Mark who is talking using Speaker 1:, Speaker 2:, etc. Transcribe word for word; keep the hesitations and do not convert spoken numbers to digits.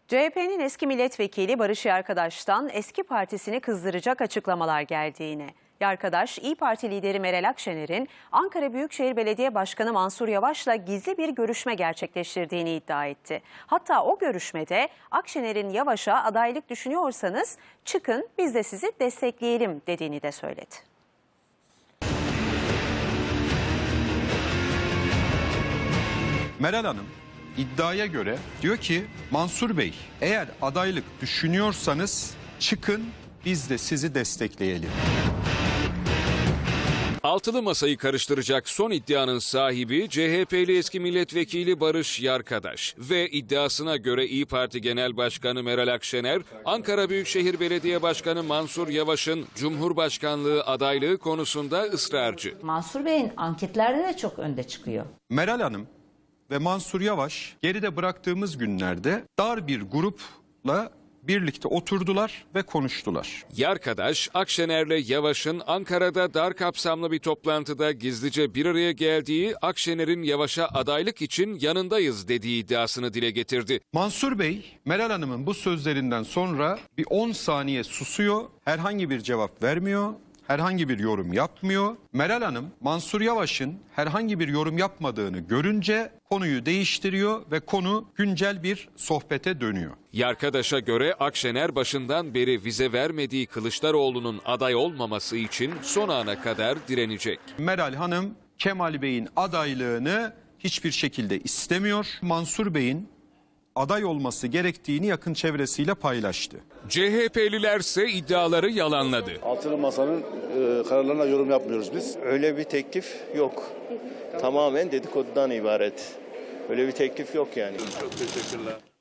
Speaker 1: C H P'nin eski milletvekili Barış Yarkadaş'tan eski partisini kızdıracak açıklamalar geldiğini, Yarkadaş, İYİ Parti lideri Meral Akşener'in Ankara Büyükşehir Belediye Başkanı Mansur Yavaş'la gizli bir görüşme gerçekleştirdiğini iddia etti. Hatta o görüşmede Akşener'in Yavaş'a adaylık düşünüyorsanız çıkın biz de sizi destekleyelim dediğini de söyledi.
Speaker 2: Meral Hanım iddiaya göre diyor ki Mansur Bey eğer adaylık düşünüyorsanız çıkın biz de sizi destekleyelim.
Speaker 3: Altılı masayı karıştıracak son iddianın sahibi C H P'li eski milletvekili Barış Yarkadaş ve iddiasına göre İYİ Parti Genel Başkanı Meral Akşener, Ankara Büyükşehir Belediye Başkanı Mansur Yavaş'ın Cumhurbaşkanlığı adaylığı konusunda ısrarcı.
Speaker 4: Mansur Bey'in anketlerde de çok önde çıkıyor.
Speaker 2: Meral Hanım ve Mansur Yavaş geride bıraktığımız günlerde dar bir grupla birlikte oturdular ve konuştular.
Speaker 3: Yarkadaş, Akşener'le Yavaş'ın Ankara'da dar kapsamlı bir toplantıda gizlice bir araya geldiği, Akşener'in Yavaş'a adaylık için yanındayız dediği iddiasını dile getirdi.
Speaker 2: Mansur Bey, Meral Hanım'ın bu sözlerinden sonra bir on saniye susuyor, herhangi bir cevap vermiyor, herhangi bir yorum yapmıyor. Meral Hanım, Mansur Yavaş'ın herhangi bir yorum yapmadığını görünce konuyu değiştiriyor ve konu güncel bir sohbete dönüyor.
Speaker 3: Yarkadaş'a göre Akşener başından beri vize vermediği Kılıçdaroğlu'nun aday olmaması için son ana kadar direnecek.
Speaker 2: Meral Hanım, Kemal Bey'in adaylığını hiçbir şekilde istemiyor. Mansur Bey'in aday olması gerektiğini yakın çevresiyle paylaştı.
Speaker 3: C H P'lilerse iddiaları yalanladı.
Speaker 5: Altılı Masa'nın e, kararlarına yorum yapmıyoruz biz.
Speaker 6: Öyle bir teklif yok. Tamamen dedikodudan ibaret. Öyle bir teklif yok yani.
Speaker 5: Çok teşekkürler.